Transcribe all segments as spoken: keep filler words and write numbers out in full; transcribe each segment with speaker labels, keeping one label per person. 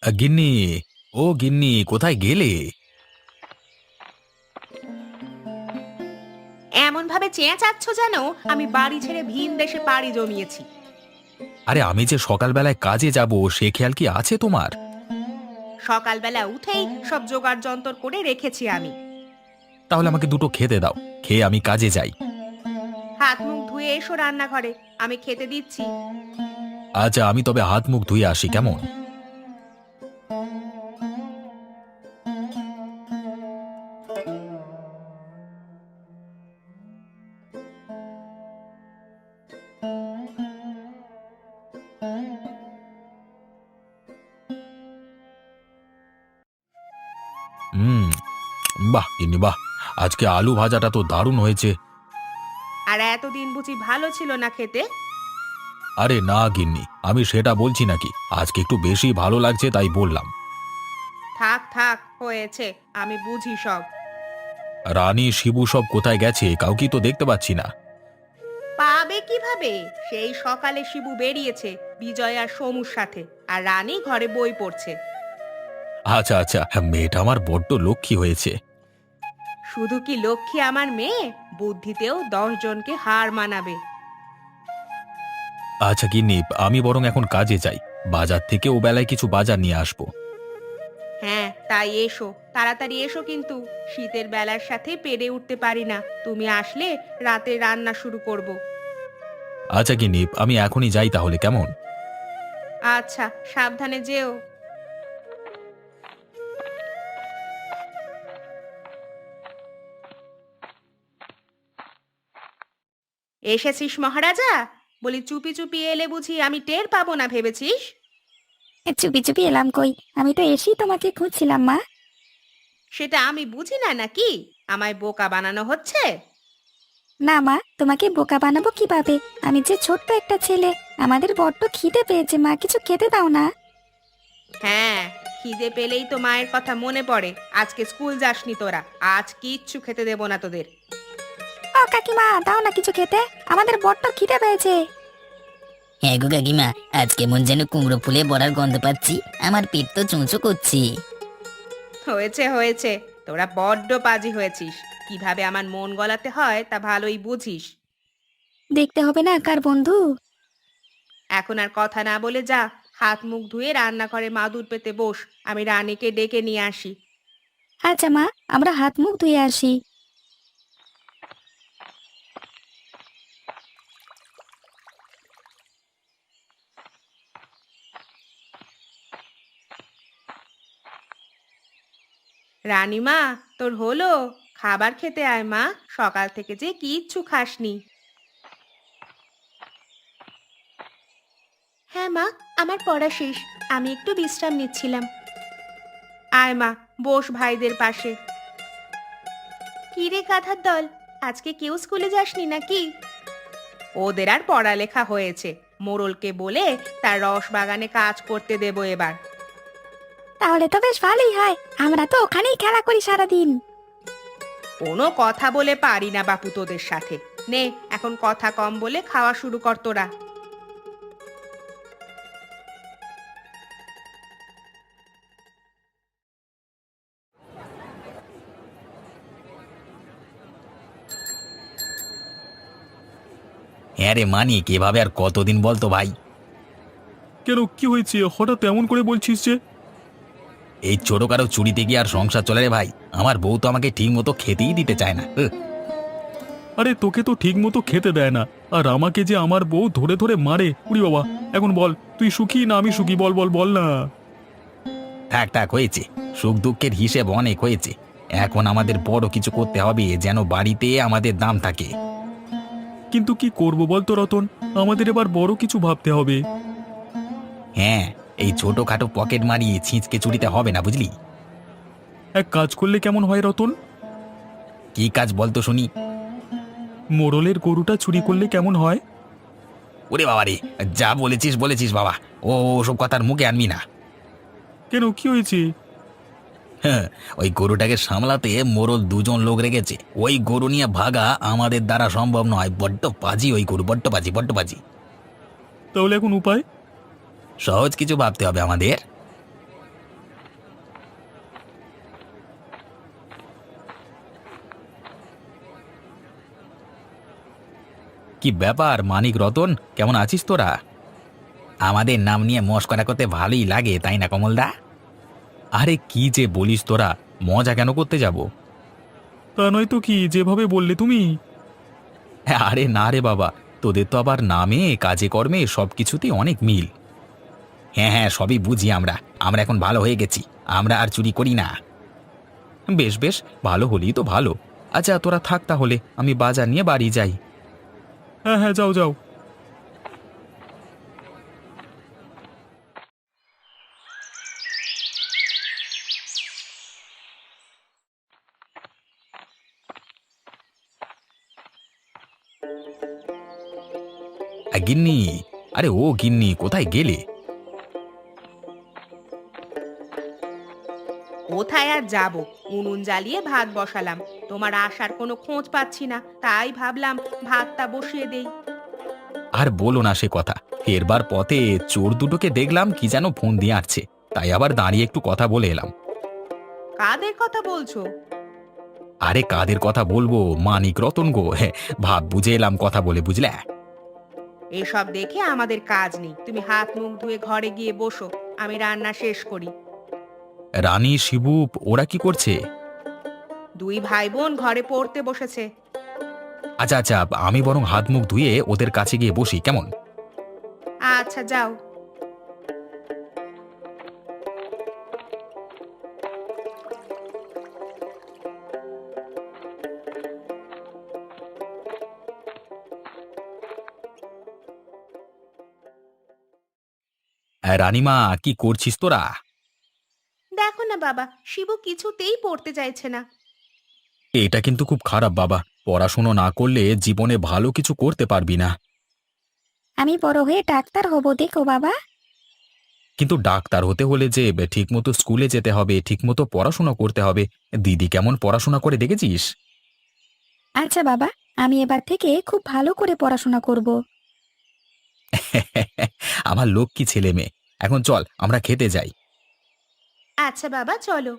Speaker 1: আ, গিন্নি, ও গিন্নি, কোথায় গেলে?
Speaker 2: এমন ভাবে চেঁচাচ্ছ যেন আমি বাড়ি ছেড়ে ভিন দেশে পাড়ি জমিয়েছি।
Speaker 1: আরে আমি যে সকালবেলায় কাজে যাব সে খেয়াল কি আছে তোমার?
Speaker 2: সকালবেলা উঠেই সব জোগাড় যন্তর করে রেখেছি আমি।
Speaker 1: তাহলে আমাকে দুটো খেতে দাও, খেয়ে আমি কাজে যাই।
Speaker 2: হাত মুখ ধুয়ে এসো রান্নাঘরে, আমি খেতে দিচ্ছি।
Speaker 1: আচ্ছা, আমি তবে হাত মুখ ধুয়ে আসি, কেমন? হুম। বাহ গিন্নি বাহ, আজকে আলু ভাজাটা তো দারুণ হয়েছে।
Speaker 2: আর এতদিন বুঝি ভালো ছিল না খেতে?
Speaker 1: আরে না গিন্নি, আমি সেটা বলছি নাকি, আজকে একটু বেশি ভালো লাগছে তাই বললাম।
Speaker 2: থাক থাক, হয়েছে, আমি বুঝি সব।
Speaker 1: রানী শিবু সব কোথায় গেছে, কাউকে তো দেখতে পাচ্ছি না।
Speaker 2: পাবে কিভাবে? সেই সকালে শিবু বেরিয়েছে বিজয় আর সমুর সাথে, আর রানী ঘরে বই পড়ছে।
Speaker 1: আচ্ছা আচ্ছা, হ্যাঁ, মেয়েটা আমার বড্ড লক্ষ্মী হয়েছে।
Speaker 2: শুধু কি লক্ষ্মী আমার মেয়ে, বুদ্ধিতেও দশ জনকে হার মানাবে।
Speaker 1: আচ্ছা গিন্নি, আমি বরং এখন কাজে যাই, বাজার থেকে ও বেলায় কিছু বাজার নিয়ে আসবো।
Speaker 2: হ্যাঁ তাই এসো, তাড়াতাড়ি এসো, কিন্তু শীতের বেলার সাথে পেরে উঠতে পারি না, তুমি আসলে রাতে রান্না শুরু করব।
Speaker 1: আচ্ছা গিন্নি, আমি এখনই যাই তাহলে, কেমন?
Speaker 2: আচ্ছা, সাবধানে যেও। এসেছিস মহারাজা? বলি চুপি চুপি এলে বুঝি আমি টের পাবো না ভেবেছিস?
Speaker 3: এ, চুপি চুপি এলাম কই? আমি তো এসেই তোমাকে খুঁজছিলাম মা।
Speaker 2: সেটা আমি বুঝি না নাকি? আমায় বোকা বানানো হচ্ছে?
Speaker 3: না মা, তোমাকে বোকা বানাবো কিভাবে? আমি যে ছোট্ট একটা ছেলে, আমাদের বড্ড খিদে পেয়েছে মা, কিছু খেতে দাও না।
Speaker 2: হ্যাঁ, খিদে পেলেই তো মায়ের কথা মনে পড়ে। আজকে স্কুল যাসনি তোরা, আজ কিচ্ছু খেতে দেবো না তোদের।
Speaker 3: ও কাকিমা, দাও না কিছু খেতে, আমাদের বড্ড খিদে পেয়েছে।
Speaker 4: হ্যাঁ গো কাকিমা, আজ কেমন যেন কুমড়ো ফুলে বড়ার গন্ধ পাচ্ছি, আমার পেট তো চুঁচো করছি।
Speaker 2: হয়েছে হয়েছে, তোরা বড্ড পাজি হয়েছিস। কিভাবে আমার মন গলাতে হয় তা ভালোই বুঝিস।
Speaker 3: দেখতে হবে না কার বন্ধু।
Speaker 2: এখন আর কথা না বলে যা, হাত মুখ ধুয়ে রান্নাঘরে মাদুর পেতে বস, আমি রানীকে ডেকে নিয়ে আসি।
Speaker 3: আচ্ছা মা, আমরা হাত মুখ ধুয়ে আসি।
Speaker 2: রানীমা, তোর হলো? খাবার খেতে আয় মা, সকাল থেকে যে কিচ্ছু খাসনি। হ্যাঁ মা, আমার পড়া শেষ, আমি একটু বিশ্রাম নিচ্ছিলাম। আয় মা, বস ভাইদের পাশে। কি রে কাঁথার দল, আজকে কেউ স্কুলে যাসনি নাকি? ওদের আর পড়ালেখা হয়েছে, মোড়লকে বলে তার রস বাগানে কাজ করতে দেব এবার।
Speaker 3: তাহলে তো বেশ ভালোই হয়, আমরা তো ওখানেই খেলা করি সারাদিন।
Speaker 2: কোনো কথা বলে পারি না বাপু তোদের সাথে। নে, এখন কথা কম বলে খাওয়া শুরু কর তোরা।
Speaker 1: হ্যাঁ রে মানিক, এভাবে আর কতদিন বলতো ভাই?
Speaker 5: কেন, কি হয়েছে হঠাৎ এমন করে বলছিস যে?
Speaker 1: এই ছোটখাটো চুরিতে গিয়ে আর সংসার চলে রে ভাই, আমার বউ তো আমাকে ঠিক মতো খেতেই দিতে চায় না। উহ,
Speaker 5: আরে তোকে তো ঠিক মতো খেতে দেয় না, আর আমাকে যে আমার বউ ধরে ধরে মারে, উড়ি বাবা। এখন বল, তুই সুখী না আমি সুখী, বল বল বল না।
Speaker 1: থাক থাক, হয়েছে, সুখ দুঃখের হিসেব অনেক হয়েছে। এখন আমাদের বড় কিছু করতে হবে যেন বাড়িতে আমাদের দাম থাকে।
Speaker 5: কিন্তু কি করব বল তো রতন, আমাদের এবার বড় কিছু ভাবতে হবে।
Speaker 1: হ্যাঁ, এই ছোটখাটো পকেট মারি ছিঁচকে চুরিতে হবে না, বুঝলি?
Speaker 5: এক কাজ করলে কেমন হয় রতন?
Speaker 1: কি কাজ বলতো শুনি?
Speaker 5: মোড়লের গরুটা চুরি করলে কেমন হয়?
Speaker 1: ওরে বাবা রে, যা বলেছিস বলেছিস বাবা, ও ওসব কথার মুখে আনবি না।
Speaker 5: কেন, কি হয়েছে?
Speaker 1: হ্যাঁ, ওই গরুটাকে সামলাতে মোড়ল দুজন লোক রেখেছে, ওই গরু নিয়ে ভাগা আমাদের দ্বারা সম্ভব নয়, বড্ড পাজি ওই গরু, বড্ড পাজি বড্ড পাজি।
Speaker 5: তাহলে এখন উপায়?
Speaker 1: সহজ কিছু ভাবতে হবে আমাদের। কি ব্যাপার মানিক রতন, কেমন আছিস তোরা? আমাদের নাম নিয়ে মস্করা করতে ভালোই লাগে, তাই না কমলদা? আরে কি যে বলিস তোরা, মজা কেন করতে যাব?
Speaker 5: তা নয় তো কি, যেভাবে বললে তুমি।
Speaker 1: আরে না রে বাবা, তোদের তো আবার নামে কাজে কর্মে সব কিছুতেই অনেক মিল। হ্যাঁ হ্যাঁ, সবই বুঝি আমরা। আমরা এখন ভালো হয়ে গেছি, আমরা আর চুরি করি না। বেশ বেশ, ভালো হলেই তো ভালো। আচ্ছা তোরা থাক তাহলে, আমি বাজার নিয়ে বাড়ি যাই।
Speaker 5: হ্যাঁ হ্যাঁ, যাও যাও।
Speaker 1: আ, গিন্নি, আরে ও গিন্নি, কোথায় গেলে?
Speaker 2: কোথায় আর যাব, উনুন জ্বালিয়ে ভাত বসালাম। তোমার আসার কোনো খোঁজ পাচ্ছি না, তাই ভাবলাম ভাতটা বসিয়ে দেই।
Speaker 1: আর বলো না সে কথা, ফেরবার পথে চোর দুটোকে দেখলাম কি যেন ফোন দিয়ে আসছে, তাই আবার দাঁড়িয়ে একটু কথা বলে এলাম।
Speaker 2: কাদের কথা বলছো?
Speaker 1: আরে কাদের কথা বলবো, মানিক রতন গো, হ্যাঁ, ভাব বুঝে এলাম কথা বলে, বুঝলে?
Speaker 2: এসব দেখে আমাদের কাজ নেই, তুমি হাত মুখ ধুয়ে ঘরে গিয়ে বসো, আমি রান্না শেষ করি।
Speaker 1: রানী, শিবু, ওরা কি করছে?
Speaker 2: দুই ভাই বোন ঘরে পড়তে বসেছে।
Speaker 1: আচ্ছা আচ্ছা, আমি বরং হাত মুখ ধুয়ে ওদের কাছে গিয়ে বসি, কেমন?
Speaker 2: আচ্ছা যাও।
Speaker 1: আহ, রানীমা, কি করছিস তোরা?
Speaker 2: দেখো না বাবা, শিবু কিছুতেই পড়তে চাইছে না।
Speaker 1: এটা কিন্তু খুব খারাপ বাবা, পড়াশুনো না করলে জীবনে ভালো কিছু করতে পারবি না।
Speaker 3: আমি বড় হয়ে ডাক্তার হব, দেখো বাবা।
Speaker 1: কিন্তু ডাক্তার হতে হলে যে ঠিকমতো স্কুলে যেতে হবে, ঠিকমতো পড়াশোনা করতে হবে। দিদি কেমন পড়াশোনা করে দেখেছিস?
Speaker 3: আচ্ছা বাবা, আমি এবার থেকে খুব ভালো করে পড়াশোনা করব।
Speaker 1: আমার লক্ষ্মী ছেলে মেয়ে। এখন চল আমরা খেতে যাই।
Speaker 2: আচ্ছা বাবা চলো।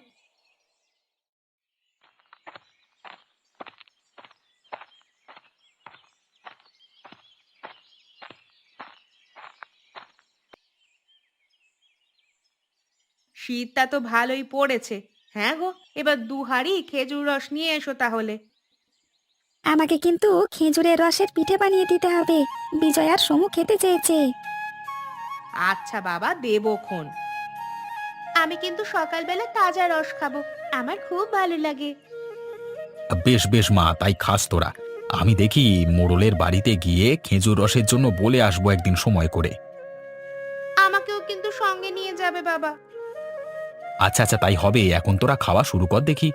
Speaker 2: শীতটা তো ভালোই পড়েছে। হ্যাঁ গো, এবার দু হাঁড়ি খেজুর রস নিয়ে এসো তাহলে।
Speaker 3: আমাকে কিন্তু খেজুরের রসের পিঠে বানিয়ে দিতে হবে, বিজয় আর সমু খেতে চেয়েছে।
Speaker 2: আচ্ছা বাবা, দেবক্ষণ। আমি কিন্তু সকালবেলা তাজা রস খাবো, আমার খুব ভালো লাগে।
Speaker 1: বেশ বেশ মা, তাই খাস তোরা। আমি দেখি মোড়লের বাড়িতে গিয়ে খেজুর রসের জন্য বলে আসবো একদিন সময় করে।
Speaker 2: আমাকেও কিন্তু সঙ্গে নিয়ে যাবে বাবা।
Speaker 1: আচ্ছা আচ্ছা, তাই হবে। এখন তোরা খাওয়া শুরু কর দেখি।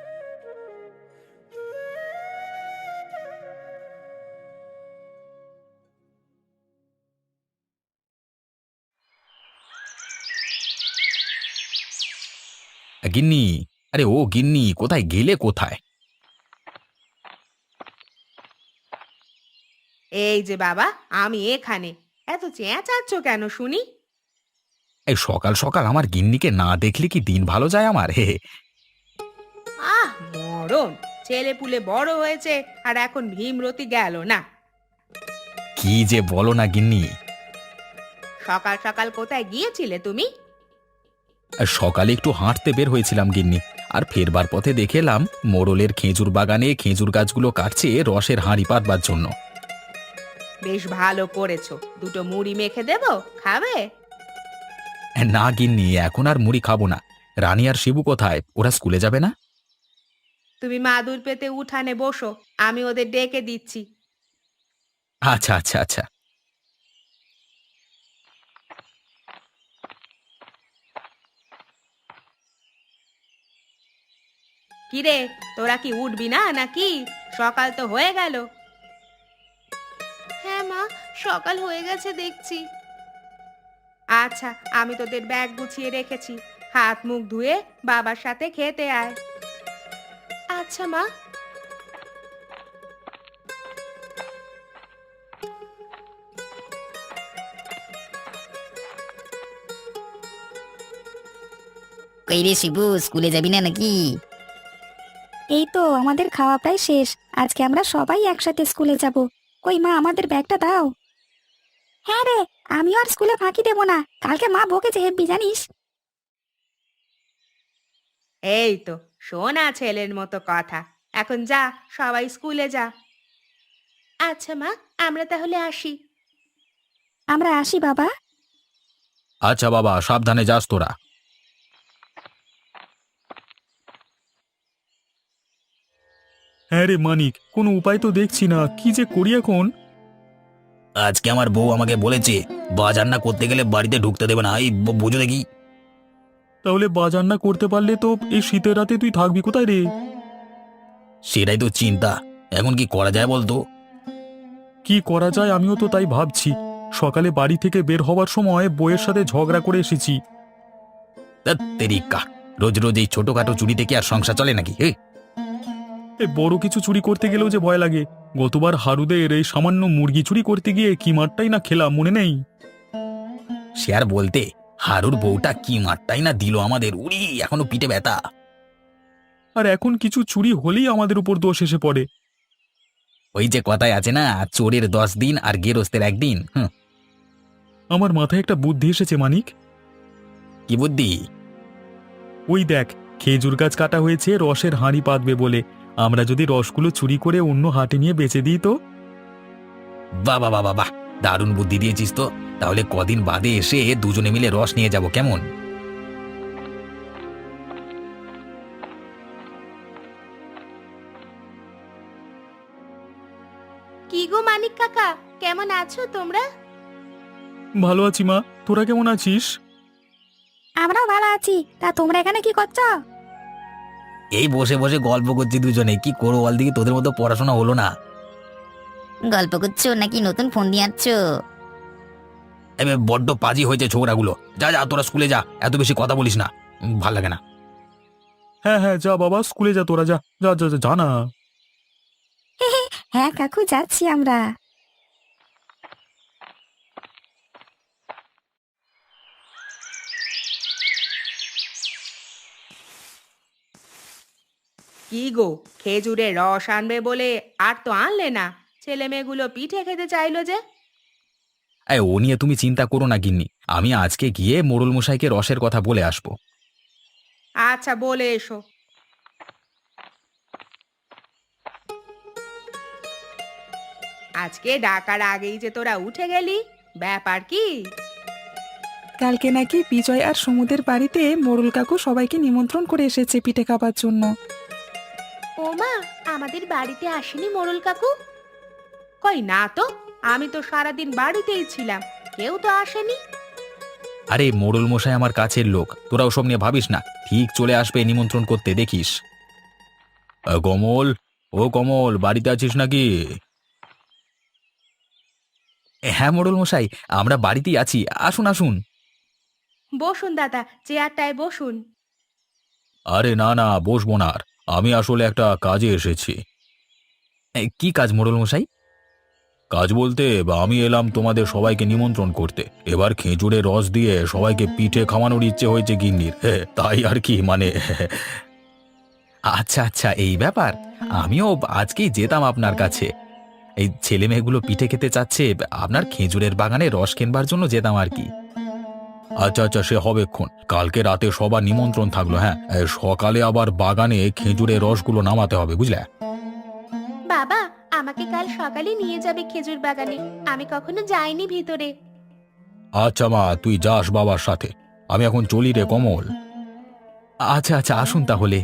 Speaker 1: গিন্নি, আরে ও গিন্নি, কোথায় গেলে কোথায়?
Speaker 2: এই যে বাবা, আমি এখানে। এত চেঁচাচ্ছ কেন শুনি?
Speaker 1: এই সকাল সকাল আমার গিন্নিকে না দেখলে কি দিন ভালো যায় আমার? হে হে।
Speaker 2: আহ মরণ, ছেলে পুলে বড় হয়েছে আর এখন ভীমরতি গেল না।
Speaker 1: কি যে বলো না গিন্নি।
Speaker 2: সকাল সকাল কোথায় গিয়েছিলে তুমি?
Speaker 1: সকালে একটু হাঁটতে বের হয়েছিলাম গিন্নি, আর ফেরবার পথে দেখেলাম মোড়লের খেজুর বাগানে খেজুর গাছগুলো কাটছে রসের হাঁড়ি পাতবার জন্য।
Speaker 2: বেশ ভালো করেছো, দুটো মুড়ি মেখে দেবো, খাবে?
Speaker 1: না গিন্নি, এখন আর মুড়ি খাবো না। রানী আর শিবু কোথায়? ওরা স্কুলে যাবে না?
Speaker 2: তুমি মাদুর পেতে উঠানে বসো, আমি ওদের ডেকে দিচ্ছি।
Speaker 1: আচ্ছা আচ্ছা আচ্ছা।
Speaker 2: কিরে, তোরা কি উঠবি না নাকি? সকাল তো হয়ে গেল। হ্যাঁ মা, সকাল হয়ে গেছে দেখছি। আচ্ছা, আমি তোদের ব্যাগ গুছিয়ে রেখেছি, হাত মুখ ধুয়ে বাবার সাথে খেতে আয়। আচ্ছা মা।
Speaker 4: কই রে শিবু, স্কুলে যাবি না নাকি?
Speaker 3: এই তো আমাদের খাওয়া প্রায় শেষ, আজকে আমরা সবাই একসাথে স্কুলে যাব। কই মা, আমাদের ব্যাগটা দাও। হ্যাঁ রে, আমিও আর স্কুলে ফাঁকি দেবো না, কালকে মা বকেছে হেব্বি জানিস।
Speaker 2: এই তো শোনা ছেলের মতো কথা। এখন যা, সবাই স্কুলে যা। আচ্ছা মা, আমরা তাহলে আসি।
Speaker 3: আমরা আসি বাবা।
Speaker 1: আচ্ছা বাবা, সাবধানে যাস তোরা।
Speaker 5: হ্যাঁ রে মানিক, কোনো উপায় তো দেখছি না, কি যে করি এখন।
Speaker 1: আজকে আমার বউ আমাকে বলেছে বাজার না করতে গেলে বাড়িতে ঢুকতে দেবে না, এই ব- বুঝো দেখি।
Speaker 5: তাহলে বাজার না করতে পারলে তো এই শীতের রাতে তুই থাকবি কোথায় রে?
Speaker 1: সেটাই তো চিন্তা, এখন কি করা যায় বলতো?
Speaker 5: কি করা যায় আমিও তো তাই ভাবছি। সকালে বাড়ি থেকে বের হওয়ার সময় বইয়ের সাথে ঝগড়া করে এসেছি।
Speaker 1: ধ্যাৎ তেরিকা, রোজ রোজ এই ছোটখাটো চুরিতে কি আর সংসার চলে নাকি? হে,
Speaker 5: এই বড় কিছু চুরি করতে গেলেও যে ভয় লাগে। গতবার হারুদের এই সামান্য মুরগি চুরি করতে গিয়ে কি মারটাই না খেলাম, মনে নেই?
Speaker 1: সে আর বলতে, হারুর বউটা কি মারটাই না দিল আমাদের, উড়ি এখনো পিঠে ব্যথা।
Speaker 5: আর এখন কিছু চুরি হলেই আমাদের উপর দোষ এসে পড়ে।
Speaker 1: ওই যে কথায় আছে না, চোরের দশ দিন আর গেরস্তের একদিন। হুঁ,
Speaker 5: আমার মাথায় একটা বুদ্ধি এসেছে মানিক।
Speaker 1: কি বুদ্ধি?
Speaker 5: ওই দেখ, খেজুর গাছ কাটা হয়েছে রসের হাঁড়ি পাতবে বলে। আমরা যদি রসগুলো চুরি করে অন্য হাটে নিয়ে বেচে দিই তো?
Speaker 1: বাবা বাবা বাহ, দারুণ বুদ্ধি দিয়েছিস তো। তাহলে কদিন বাদে এসে দুজনে মিলে রস নিয়ে যাব, কেমন?
Speaker 2: কি গো মানিক কাকা, কেমন আছো তোমরা?
Speaker 5: ভালো আছি মা, তোরা কেমন আছিস?
Speaker 3: আমরাও ভালো আছি। তা তোমরা এখানে কি করছো?
Speaker 1: এই বসে বসে গল্প করছি দুজনে, কি করবো বল দেখি, তোদের মতো পড়াশোনা হলো না।
Speaker 4: গল্প করছো নাকি নতুন ফোন দিয়ে আনছো?
Speaker 1: এবার বড্ড পাজি হয়েছে ছোকরাগুলো। যা যা, তোরা স্কুলে যা, এত বেশি কথা বলিস না, উম, ভাল লাগে না।
Speaker 5: হ্যাঁ হ্যাঁ, যা বাবা, স্কুলে যা, তোরা যা যা যা যা, যা না।
Speaker 3: হ্যাঁ কাকু, যাচ্ছি আমরা।
Speaker 2: কি গো, খেজুরের রস আনবে বলে আর তো আনলে না। ছেলে মেয়েগুলো পিঠে খেতে চাইলো যে।
Speaker 1: এই, ও নিয়ে তুমি চিন্তা করো না গিন্নি, আমি আজকে গিয়ে মোড়ল মশাইকে রসের কথা বলে আসবো।
Speaker 2: আচ্ছা, বলে এসো। আজকে ডাকার আগেই যে তোরা উঠে গেলি, ব্যাপার কি?
Speaker 6: কালকে নাকি বিজয় আর সমুদের বাড়িতে মোড়ল কাকু সবাইকে নিমন্ত্রণ করে এসেছে পিঠে খাবার জন্য।
Speaker 2: ও মা, আমাদের বাড়িতে আসেনি মোড়ল কাকু? কই না তো, আমি তো সারাদিন বাড়িতেই ছিলাম, কেউ তো আসেনি।
Speaker 1: আরে মোড়ল মশাই আমার কাছের লোক, তোরা ওসব নিয়ে ভাবিস না, ঠিক চলে আসবে নিমন্ত্রণ করতে, দেখিস। আ, কমল, ও কমল, বাড়িতে আছিস নাকি? হ্যাঁ মোড়ল মশাই, আমরা বাড়িতেই আছি, আসুন আসুন।
Speaker 2: বসুন দাদা, চেয়ারটায় বসুন।
Speaker 1: আরে না না, বসবো না আর, আমি আসলে একটা কাজে এসেছি। এ, কি কাজ মোড়ল মশাই? কাজ বলতে বা, আমি এলাম তোমাদের সবাইকে নিমন্ত্রণ করতে। এবার খেজুরের রস দিয়ে সবাইকে পিঠে খাওয়ানোর ইচ্ছে হয়েছে গিন্নির, হে, তাই আর কি, মানে। আচ্ছা আচ্ছা, এই ব্যাপার। আমিও আজকেই যেতাম আপনার কাছে। এই ছেলে মেয়েগুলো পিঠে খেতে চাচ্ছে, আপনার খেজুরের বাগানে রস কিনবার জন্য যেতাম আর কি। আচ্ছা আচ্ছা, সে হবেক্ষণ। কালকে রাতে সবার নিমন্ত্রণ থাকলো, হ্যাঁ, এ, সকালে আবার বাগানে খেজুরের রসগুলো নামাতে হবে, বুঝলে?
Speaker 2: বাবা, আমাকে কাল সকালে নিয়ে যাবে খেজুর বাগানে, আমি কখনো যাইনি ভিতরে।
Speaker 1: আচ্ছা মা, তুই যাস বাবার সাথে, আমি এখন চলি রে কমল। আচ্ছা আচ্ছা, আসুন তাহলে।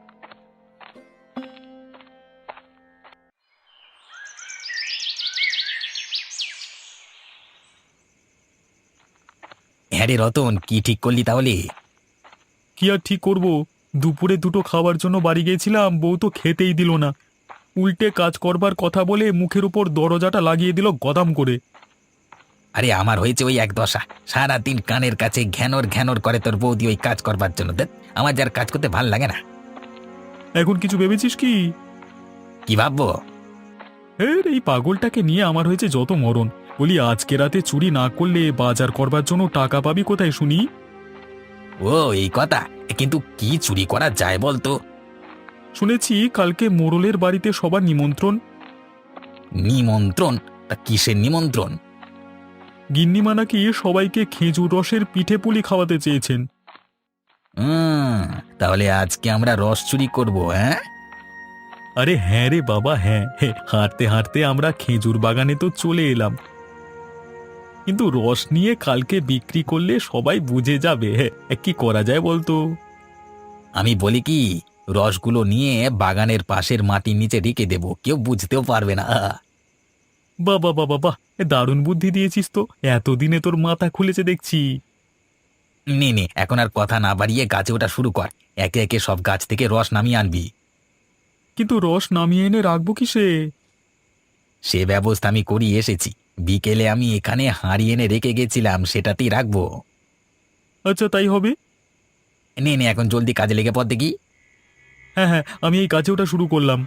Speaker 1: হ্যাঁ রে রতন, কি ঠিক করলি তাহলে?
Speaker 5: কি আর ঠিক করব, দুপুরে দুটো খাওয়ার জন্য বাড়ি গিয়েছিলাম, বউ তো খেতেই দিল না। উল্টে কাজ করবার কথা বলে মুখের উপর দরজাটা লাগিয়ে দিল গদাম করে।
Speaker 1: আরে আমার হয়েছে ওই এক দশা, সারাদিন কানের কাছে ঘ্যানর ঘ্যানর করে তোর বৌদি ওই কাজ করবার জন্য। দেখ, আমার যার কাজ করতে ভাল লাগে না।
Speaker 5: এখন কিছু ভেবেছিস কি?
Speaker 1: কি ভাববো?
Speaker 5: এর এই পাগলটাকে নিয়ে আমার হয়েছে যত মরণ। বলি, আজকে রাতে চুরি না করলে বাজার করবার জন্য টাকা পাবি কোথায় শুনি?
Speaker 1: ও এই কথা, কিন্তু কি চুরি করা যায় বলতো?
Speaker 5: শুনেছি কালকে মোড়লের বাড়িতে সবার নিমন্ত্রণ।
Speaker 1: নিমন্ত্রণ? তা কিসের নিমন্ত্রণ?
Speaker 5: গিন্নিমা নাকি সবাইকে খেজুর রসের পিঠে পুলি খাওয়াতে চেয়েছেন।
Speaker 1: উম, তাহলে আজকে আমরা রস চুরি করবো, হ্যাঁ?
Speaker 5: আরে হ্যাঁ রে বাবা, হ্যাঁ হে, হাঁটতে হাঁটতে আমরা খেজুর বাগানে তো চলে এলাম, কিন্তু রস নিয়ে কালকে বিক্রি করলে সবাই বুঝে যাবে। হ্যাঁ, কি করা যায় বলতো?
Speaker 1: আমি বলি কি, রসগুলো নিয়ে বাগানের পাশের মাটির নিচে রেখে দেবো, কেউ বুঝতেও পারবে না।
Speaker 5: বাবা বাবা বাহ, এ দারুণ বুদ্ধি দিয়েছিস তো, এতদিনে তোর মাথা খুলেছে দেখছি।
Speaker 1: নে নে, এখন আর কথা না বাড়িয়ে গাছে ওঠা শুরু কর। একে একে সব গাছ থেকে রস নামিয়ে আনবি।
Speaker 5: কিন্তু রস নামিয়ে এনে রাখবো কিসে?
Speaker 1: সে ব্যবস্থা আমি করি এসেছি। বিকেলে আমি এখানে হাঁড়ি এনে রেখে গেছিলাম, সেটাতেই রাখবো।
Speaker 5: আচ্ছা তাই হবে।
Speaker 1: নে নে, এখন জলদি কাজে লেগে পড় দেখি।
Speaker 5: হ্যাঁ হ্যাঁ, আমি এই গাছে ওঠা শুরু করলাম।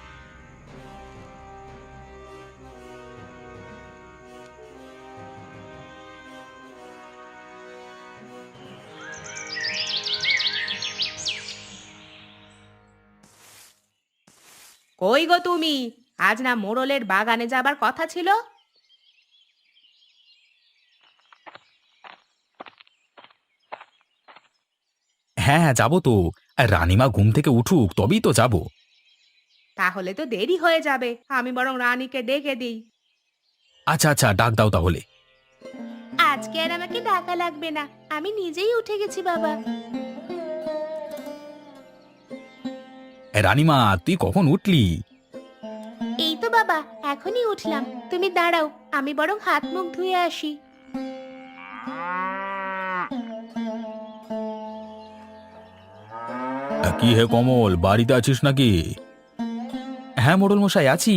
Speaker 2: কই গো তুমি? আজ না মোড়লের বাগানে যাবার কথা ছিল?
Speaker 1: হ্যাঁ হ্যাঁ, যাবো তো। আর রানীমা ঘুম থেকে উঠুক তবেই তো যাব।
Speaker 2: তাহলে তো দেরি হয়ে যাবে, আমি বরং রানীকে ডেকে দিই।
Speaker 1: আচ্ছা আচ্ছা, ডাক দাও তাহলে।
Speaker 2: আজকে আর আমাকে ডাকা লাগবে না, আমি নিজেই উঠে গেছি বাবা।
Speaker 1: এ, রানীমা তুই কখন উঠলি?
Speaker 2: এই তো বাবা, এখনই উঠলাম। তুমি দাঁড়াও, আমি বরং হাত মুখ ধুয়ে আসি।
Speaker 1: কি হে কমল, বাড়িতে আছিস নাকি? হ্যাঁ মোড়ল মশাই, আছি।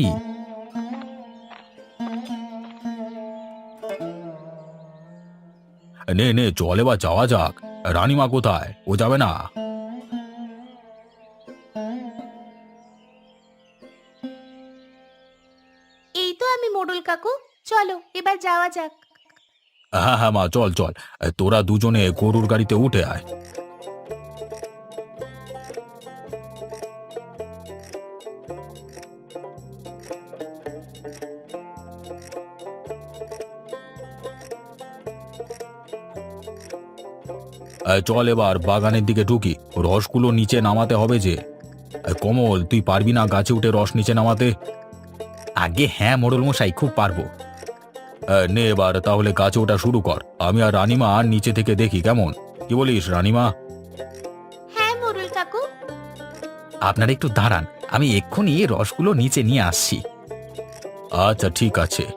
Speaker 1: নে নে, চলে বা যাওয়া যাক। রানীমা কোথায়? ও যাবে না?
Speaker 2: এই তো আমি মোড়ল কাকু, চলো এবার যাওয়া যাক।
Speaker 1: হ্যাঁ হ্যাঁ মা, চল চল। তোরা দুজনে গরুর গাড়িতে উঠে আয়। এই, চল এবার বাগানের দিকে ঢুকি। রসগুলো নিচে নামাতে হবে যে। এই, কমল তুই পারবি না গাছে উঠে রস নিচে নামাতে? আগে হ্যাঁ মোড়ল মশাই, খুব পারবো। এই, নে এবার তাহলে গাছে ওঠা শুরু কর। আমি আর রানীমা আর নিচে থেকে দেখি, কেমন? কি বলিস রানীমা?
Speaker 2: হ্যাঁ মোড়ল কাকু।
Speaker 1: আপনারা একটু দাঁড়ান, আমি এক্ষুনি রসগুলো নিচে নিয়ে আসছি। আচ্ছা ঠিক আছে।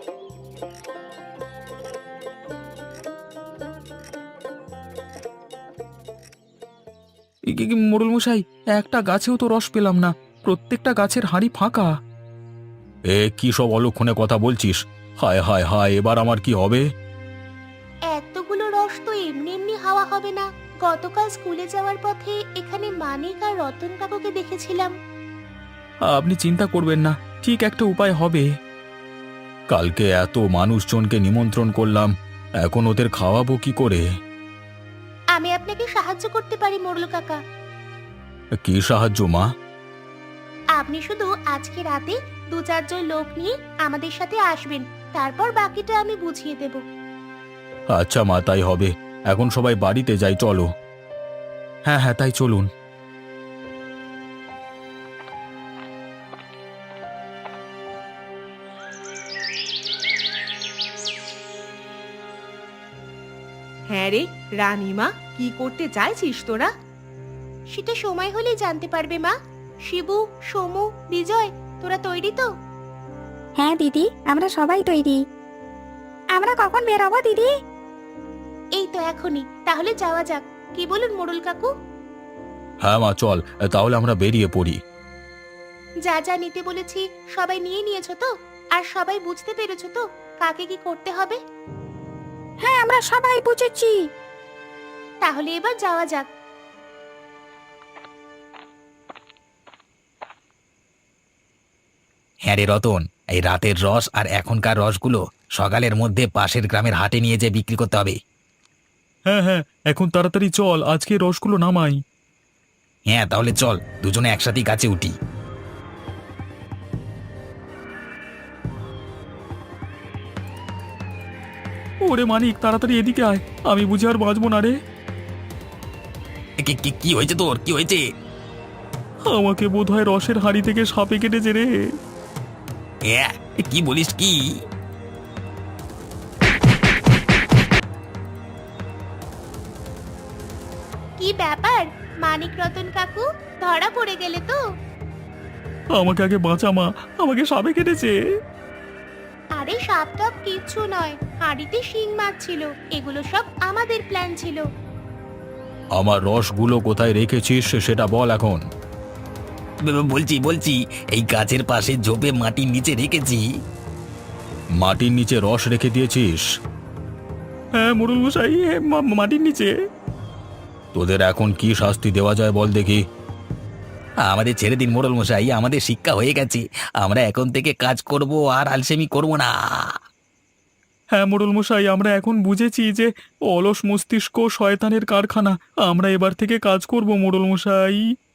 Speaker 1: মোড়ল মশাই, একটা গাছেও তো রস পেলাম না, প্রত্যেকটা গাছের হাঁড়ি ফাঁকা। এ কি সব অলক্ষণে কথা বলছিস? হায় হায় হায়, এবার আমার কি হবে?
Speaker 2: এতগুলো রস তো এমনি এমনি হাওয়া হবে না। গতকাল স্কুলে যাওয়ার পথে এখানে মানিক আর রতন কাকুকে দেখেছিলাম।
Speaker 1: আপনি চিন্তা করবেন না, ঠিক একটা উপায় হবে। কালকে এত মানুষজনকে নিমন্ত্রণ করলাম, এখন ওদের খাওয়াবো কি করে?
Speaker 2: আমি আপনাকে সাহায্য করতে পারি মোড়ল কাকা।
Speaker 1: কি সাহায্য মা?
Speaker 2: আপনি শুধু আজকে রাতে দু চারজন লোক নিয়ে আমাদের সাথে আসবেন, তারপর বাকিটা আমি বুঝিয়ে দেব।
Speaker 1: আচ্ছা মা, তাই হবে। এখন সবাই বাড়িতে যাই, চলো। হ্যাঁ হ্যাঁ, তাই চলুন।
Speaker 2: হ্যাঁ রে রানীমা, কি করতে চাইছিস তোরা? সেটা সময় হলেই জানতে পারবে মা। শিবু, সোমু, বিজয়, তোরা তৈরি তো?
Speaker 3: হ্যাঁ দিদি, আমরা সবাই তৈরি। আমরা কখন বেরোবো দিদি?
Speaker 2: এই তো এখনই, তাহলে যাওয়া যাক। কি বলুন মোড়ল কাকু?
Speaker 1: হ্যাঁ মা, চল তাহলে আমরা বেরিয়ে পড়ি।
Speaker 2: যা যা নিতে বলেছি সবাই নিয়ে নিয়েছো তো? আর সবাই বুঝতে পেরেছো তো কাকে কি করতে হবে?
Speaker 3: হ্যাঁ, আমরা সবাই বুঝেছি।
Speaker 2: তাহলে এবার যাওয়া যাক।
Speaker 1: হ্যাঁ রে রতন, এই রাতের রস আর এখনকার রসগুলো সকালের মধ্যে পাশের গ্রামের হাটে নিয়ে যেয়ে বিক্রি করতে হবে।
Speaker 5: হ্যাঁ হ্যাঁ, এখন তাড়াতাড়ি চল, আজকে রসগুলো নামাই।
Speaker 1: হ্যাঁ তাহলে চল, দুজনে একসাথেই গাছে উঠি।
Speaker 5: ওরে মানিক, তাড়াতাড়ি এদিকে আয়, আমি বুঝি আর বাঁচবো না রে।
Speaker 1: কি- কি- কি হয়েছে তোর, কি হয়েছে?
Speaker 5: আমাকে বোধহয় রসের হাঁড়ি থেকে সাপে কেটেছে রে।
Speaker 1: হ্যাঁ, কি বলিস কি?
Speaker 2: কি ব্যাপার মানিক রতন কাকু, ধরা পড়ে গেলে তো?
Speaker 5: আমাকে আগে বাঁচা মা, আমাকে সাপে কেটেছে।
Speaker 2: আরে সাপ টাপ কিচ্ছু নয়, হাঁড়িতে শিং মাছ ছিল, এগুলো সব আমাদের প্ল্যান ছিল।
Speaker 1: আমার রসগুলো কোথায় রেখেছিস সেটা বল এখন। বলছি বলছি এই গাছের পাশে ঝোপে মাটির নিচে রেখেছি। মাটির নিচে রস রেখে দিয়েছিস?
Speaker 5: হ্যাঁ মোড়ল মশাই, এ, মা- মাটির নিচে।
Speaker 1: তোদের এখন কি শাস্তি দেওয়া যায় বল দেখি। আমাদের ছেড়ে দিন মোড়ল মশাই, আমাদের শিক্ষা হয়ে গেছে, আমরা এখন থেকে কাজ করব আর আলসেমি করব না।
Speaker 5: হ্যাঁ মোড়ল মশাই, আমরা এখন বুঝেছি যে অলস মস্তিষ্ক শয়তানের কারখানা। আমরা এবার থেকে কাজ করব মোড়ল মশাই।